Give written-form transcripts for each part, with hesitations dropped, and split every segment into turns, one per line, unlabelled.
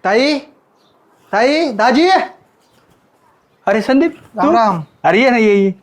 ताई ताई दाजी.
अरे संदीप तू?
राम.
अरे ये ना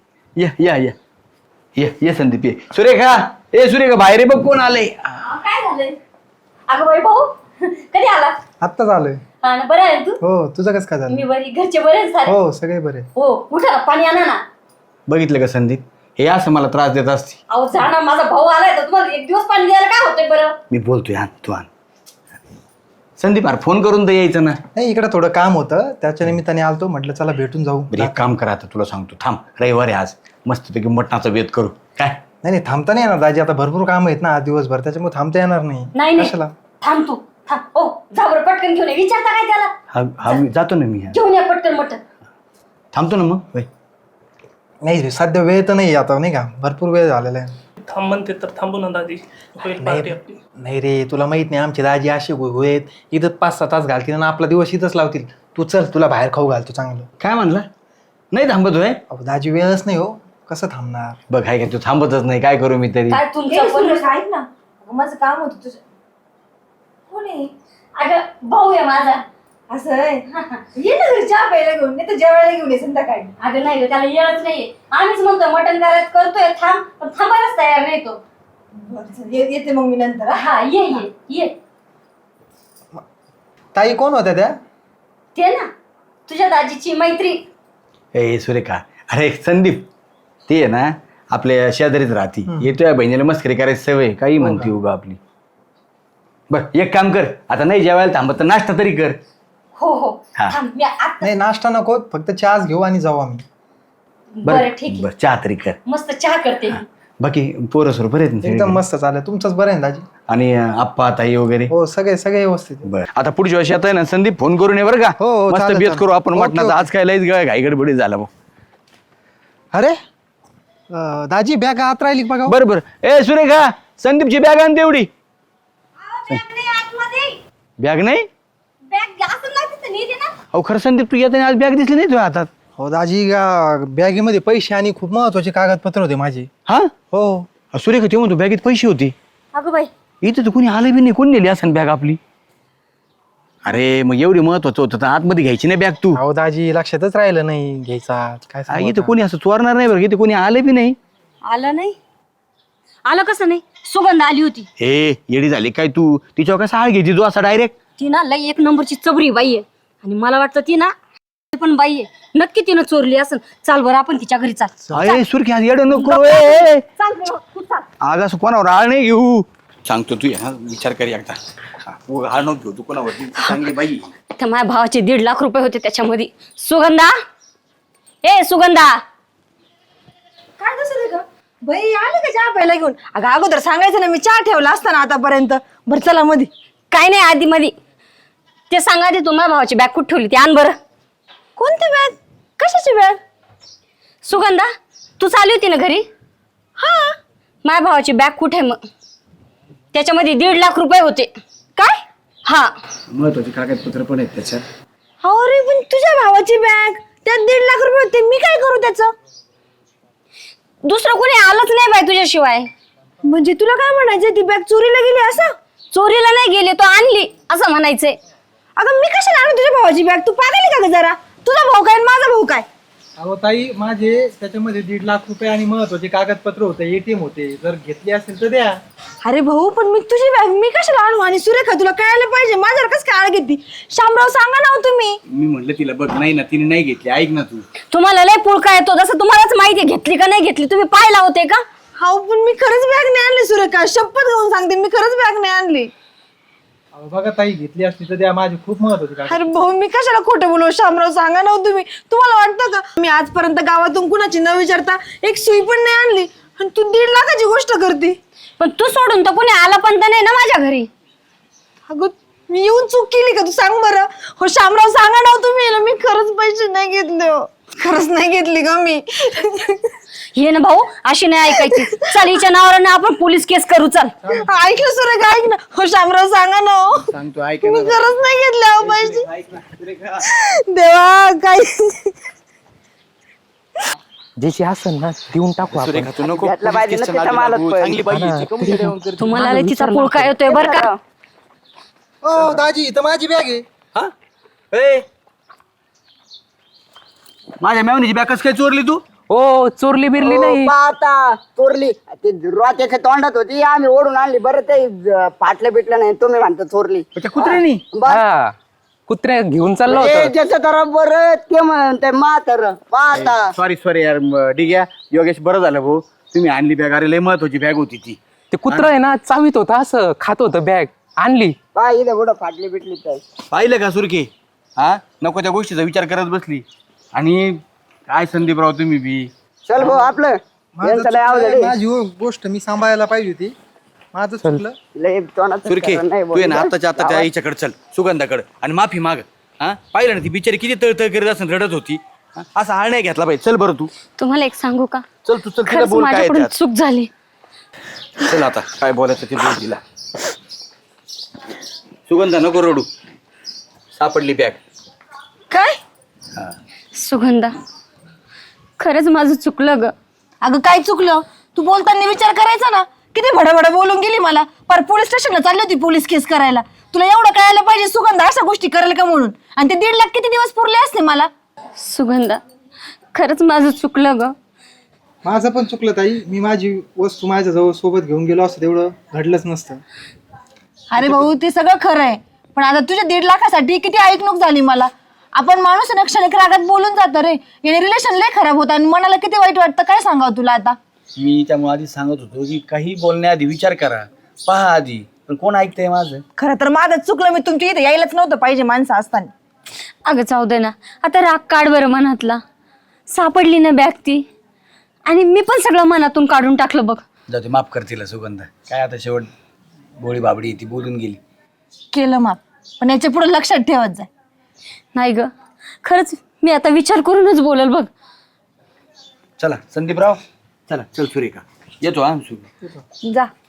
ये संदीप ये. सुरेखा सुरेखा बाहेर आहे बघ कोण आलंय.
काय झालंय? अगं बाई भाऊ कधी आला?
आत्ताच आलोय.
हा ना, बरं आहे तू?
हो तुझं कसं काय झालं?
मी बरी, घरचे बरे आहेत सारे?
हो सगळे बरे.
हो उठा ना, पाणी आणा ना.
बघितलं का संदीप हे असं मला त्रास देत असते.
अहो जा ना, माझा भाऊ आलाय तर तुम्हाला एक दिवस पाणी द्यायला काय होतंय बरं?
मी बोलतोय आण तू आण. संदीप अरे फोन करून तर यायचं ना.
नाही इकडे थोडं काम होतं त्याच्या निमित्ताने आलतो म्हटलं चला भेटून जाऊ.
बरं एक काम करा आता तुला सांगतो थांब रविवार आहे आज मस्तपैकी मटणाचा वेध करू काय.
नाही थांबता नाही येणार दाजी आता भरपूर काम आहेत ना आज दिवसभर त्याच्यामुळे थांबता येणार नाही.
नाही नाही
कशाला?
थांब तू थांब. ओ जा बरं पटकन घेऊन ये. विचारता काय त्याला?
हा मी जातो ना मी
घेऊन या पटकन मटण.
थांबतो ना मग होय.
नाही सध्या वेळ तर नाही आता नाही का भरपूर वेळ झालेला आहे.
थांब म्हणते तर थांबू ना दादी, होईल पार्टी आपली.
नाही रे तुला माहित नाही आमचे दाजी असे होत इथं 5-6 तास घालतील आणि आपला दिवस इथंच लावतील. तू चल तुला बाहेर खाऊ घालतो चांगलं.
काय म्हणला नाही थांबत होय.
अहो दाजी वेळच नाही हो कसं थांबणार.
बघ हाय का तू थांबतच नाही काय करू मी तरी.
काय तुमचं पण
ऐक ना, अगं माझं काम होतं तुझं. कोण आहे?
अगं भाऊ आहे माझा.
असं आहे. ये ना घरी चहा प्यायला घेऊन, नाही तर जेवायला घेऊन ये संध्याकाळी.
अगं नाही ग, त्याला येळच नाहीये. आम्हीच म्हणतोय मटण करायचं करतोय थांब, पण थांबायलाच तयार नाही तो.
बरं, चल, येते मग मी नंतर हा.
हा ये
ताई कोण होत्या त्या?
ते ना तुझ्या दाजीची मैत्री.
ए सुरेखा अरे संदीप ते आहे ना आपल्या शेजारीच राहती. येतोय बहिणीला मस्करी करायची सवय काही म्हणते उगा आपली. बर एक काम कर आता नाही जेवायला थांबत तर नाश्ता तरी कर.
हो
हा.
थांब मी आता.
नाही नाश्ता नको फक्त चहाच घेऊ आणि जाऊ आम्ही.
बरं ठीक आहे,
बर चहा तरी कर.
मस्त चहा करते मी.
बाकी पोरं सोर बरे आहेत ना
एकदम
सगळे?
मस्त चालेल तुमचंच बरं आहे ना दाजी?
आणि आप्पा ताई वगैरे
हो सगळे व्यवस्थित आहे.
बर आता पुढच्या वर्षी आता आहे ना संदीप फोन करून ये बरं का.
हो, हो,
मस्त
चालेल,
बेत
चालेल.
करू आपण
ओके,
मटणाचा.
ओके.
आज काय लईच घाई गडबडी झाला भाऊ.
अरे दाजी बॅग आत राहिली बघा.
बरं बरं ए सुरेखा संदीपची बॅग आण तेवढी. बॅग नाही अहो खरं संदीप तू येताना आज बॅग दिसली नाही तुझ्या हातात.
हो दाजी बॅगेमध्ये पैसे आणि खूप महत्वाचे कागदपत्र होते माझे.
हा
हो
सुरेखा ते म्हणतो बॅगेत पैसे होते.
अगं बाई
इथं तर कोणी आलं बी नाही. कोण नेली असं बॅग आपली. अरे मग एवढी महत्वाचं होतं तर आतमध्ये घ्यायची नाही बॅग तू.
अहो दाजी लक्षातच राहिलं नाही घ्यायचा काय सांगू
इथं
आता.
कोणी असं चोरणार नाही बरं इथे कोणी आलं बी नाही.
आलं नाही? आलं कसं नाही? सुगंध आली होती.
हे येडी झाली काय तू तिच्यावर कसा आळ घ्यायची तू असा डायरेक्ट.
ती ना लई एक नंबरची चबरी बाई आहे आणि मला वाटतं ती ना पण बाई आहे. नक्की तिनं चोरली असेल. चाल बरं आपण तिच्या घरी चाल.
अरे सुरखी आज येडं नको ए.
चाल बरं, तू चाल.
आज असं कोणावर आळ नाही घेऊ. सांगतो तू हा विचार कर एकदा. आळ नको घेऊ तू कोणावरती चांगली बाई.
त्या माझ्या भावाचे 1.5 लाख रुपये होते त्याच्यामध्ये. सुगंधा ए सुगंधा
काय कसं का बाई आले का चहा प्यायला घेऊन? अगं अगोदर सांगायचं ना, मी चहा ठेवला असता ना आतापर्यंत. बरं चला मध्ये.
काय नाही आधी मध्ये ते सांगा आधी तुम्हाला भावाची बॅग कुठे ठेवली ती आण बरं.
कोणती बॅग? कशाची बॅग?
सुगंधा तू चालू होती ना घरी?
हा.
माझ्या भावाची बॅग कुठे मग? त्याच्यामध्ये 1.5 लाख रुपये होते.
काय?
हा
महत्वाचे कागदपत्र पण आहेत त्याच्यात.
अरे पण तुझ्या भावाची बॅग त्यात 1.5 लाख रुपये होते. मी काय करू त्याचं?
दुसरं कोणी आलंच नाही बाई तुझ्याशिवाय.
म्हणजे तुला काय म्हणायचं, ती बॅग चोरीला गेली असं?
चोरीला नाही गेली तो आणली असं म्हणायचंय.
अगं मी कशाला आणू तुझ्या भावाची बॅग? तू पागल आहे का ग जरा? तुझा भाऊ काय आणि माझा भाऊ काय?
अहो ताई माझे त्याच्यामध्ये 1.5 लाख रुपये आणि महत्वाचे कागदपत्र होते ATM होते. जर घेतली असेल तर द्या.
अरे भाऊ पण मी तुझी बॅग मी कशाला आणू? आणि सुरेखा तुला कळायला पाहिजे माझ्यावर कसं काय आळ घेतली? शामराव सांगा ना हो तुम्ही.
मी म्हटलं तिला बघ नाही ना तिने नाही घेतली. ऐक ना तू.
तुम्हाला लय पुळका येतो जसं तुम्हालाच माहिती घेतली का नाही घेतली. तुम्ही पाहिला होते का?
हो पण मी खरंच बॅग नाही आणली सुरेखा. शपथ घेऊन सांगते मी खरंच बॅग नाही आणली.
अहो बघा ताई घेतली असती तर द्या. माझे खूप महत्वाचे कागद.
अरे भाऊ मी कशाला खोटं बोलू? शामराव सांगा ना हो तुम्ही. तुम्हाला वाटतं का मी आजपर्यंत गावातून कुणाची न विचारता एक सुई पण नाही आणली आणि तू 1.5 लाखाची गोष्ट करते?
पण तू सोडून तर कोणी आला पण तर नाही ना माझ्या घरी.
अगं मी येऊन चूक केली का? तू सांग बरं. हो शामराव सांगा ना हो तुम्ही. मी खरंच पैसे नाही घेतले हो. खरंच नाही घेतली का मी?
ये ना भाऊ अशी नाही ऐकायची. चल हिच्या नावावर ना आपण पोलीस केस करू. चल
ऐकलं सुरेखा ऐक ना. हो शामराव सांगा ना हो.
सांगतो ऐक
मी खरंच नाही घेतले हो पैसे.
ऐक ना सुरेखा.
देवा काय
ज्याची असेल ना देऊन टाकू आपण.
सुरेखा तू नको
घेतला पाहिजे ना
पोलीस
त्याचा
केसच्या
मालच
नादी लागू.
पण.
चांगली बाई आहे ती. कमी देऊन करते.
तुम्हाला लय तिचा पुळका येतोय बरं का?
हो दाजी इथं माझी बॅग आहे.
हा ए माझ्या मेवणीची बॅग कसं काय चोरली तू
ओ चोरली बिरली नाही
पाहता चोरली ते रोत्याच्या तोंडात होती आम्ही ओढून आणली बरं ते फाटलं बिटलं नाही तुम्ही म्हणता चोरली
त्या कुत्र्यानी
हा कुत्र्या घेऊन चाललो
ए,
होतो
ज्याचं तर बरं ते म्हणते म्हातार पाहता
सॉरी यार ठीक आहे योगेश बरं झालं भाऊ तुम्ही आणली बॅग अरे लय महत्वाची बॅग होती ती
ते कुत्र आहे ना चावीत होतं असं खात होतं बॅग आणली
पहा इथं कुठं फाटली बिटली तर
पाहिलं का सुरके हा नको त्या गोष्टीचा विचार करत बसली आणि काय संदीपराव तुम्ही बी
चल भाऊ आपलं यांचं लय अवघड आहे.
माझी गोष्ट मी सांभाळायला पाहिजे होती माझं चुकलं.
लय तोंडात
सुरके
नाही
तू आहे ना
बोलू.
आताच्या आता त्या आईच्याकडे चल सुगंधाकडे आणि माफी माग हा पाहिलं ना ती बिचारी किती तळतळ करीत असं रडत होती हा? असा हाळ नाही घेतला पाहिजे चल बरं तू
तुम्हाला एक सांगू का
चल तू चल तिला
खरंच
बोल काय आहे
माझ्याकडून
त्यात.
चूक झाली.
चल आता काय बोलायचं ते बोल तिला सुगंधा नको रडू सापडली बॅग
काय
सुगंधा खरंच माझं चुकलं ग.
अगं काय चुकलं तू बोलताना विचार करायचा ना किती भडभड बोलून गेली मला पर पोलीस स्टेशनला चालली होती पोलीस केस करायला तुला एवढं कळायला पाहिजे सुगंधा अशा गोष्टी करेल का म्हणून आणि ते 1.5 लाख किती दिवस पुरले असते मला
सुगंधा खरंच माझं चुकलं ग.
माझं पण चुकलं ताई मी माझी वस्तू माझ्याजवळ सोबत घेऊन गेलो असतं तेवढं घडलंच नसतं.
अरे भाऊ ते सगळं खरं आहे पण आता तुझ्या 1.5 लाखासाठी किती ऐकणूक झाली मला आपण माणूस क्षणिक रागात बोलून जातो रे याने रिलेशन लय खराब होतं आणि मनाला किती वाईट वाटतं काय सांगावं तुला आता
मी त्यामुळे आधी सांगत होतो की काही बोलण्याआधी विचार करा पहा आधी पण कोण ऐकतंय माझं
खरं तर माझं चुकलं मी तुमच्या इथे यायलाच नव्हतं पाहिजे माणसं असताना.
अगं जाऊ दे ना आता राग काढ बरं मनातला. सापडली ना बॅग ती आणि मी पण सगळं मनातून काढून टाकलं बघ.
जाऊ दे माफ कर तिला सुगंधा काय आता शेवट गोळी बाबडी ती बोलून गेली
केलं माप पण याच्या पुढे लक्षात ठेवत जाय.
नाही ग खरंच मी आता विचार करूनच बोलल बघ.
चला संदीपराव चला चल सुरेखा येतो हा
जा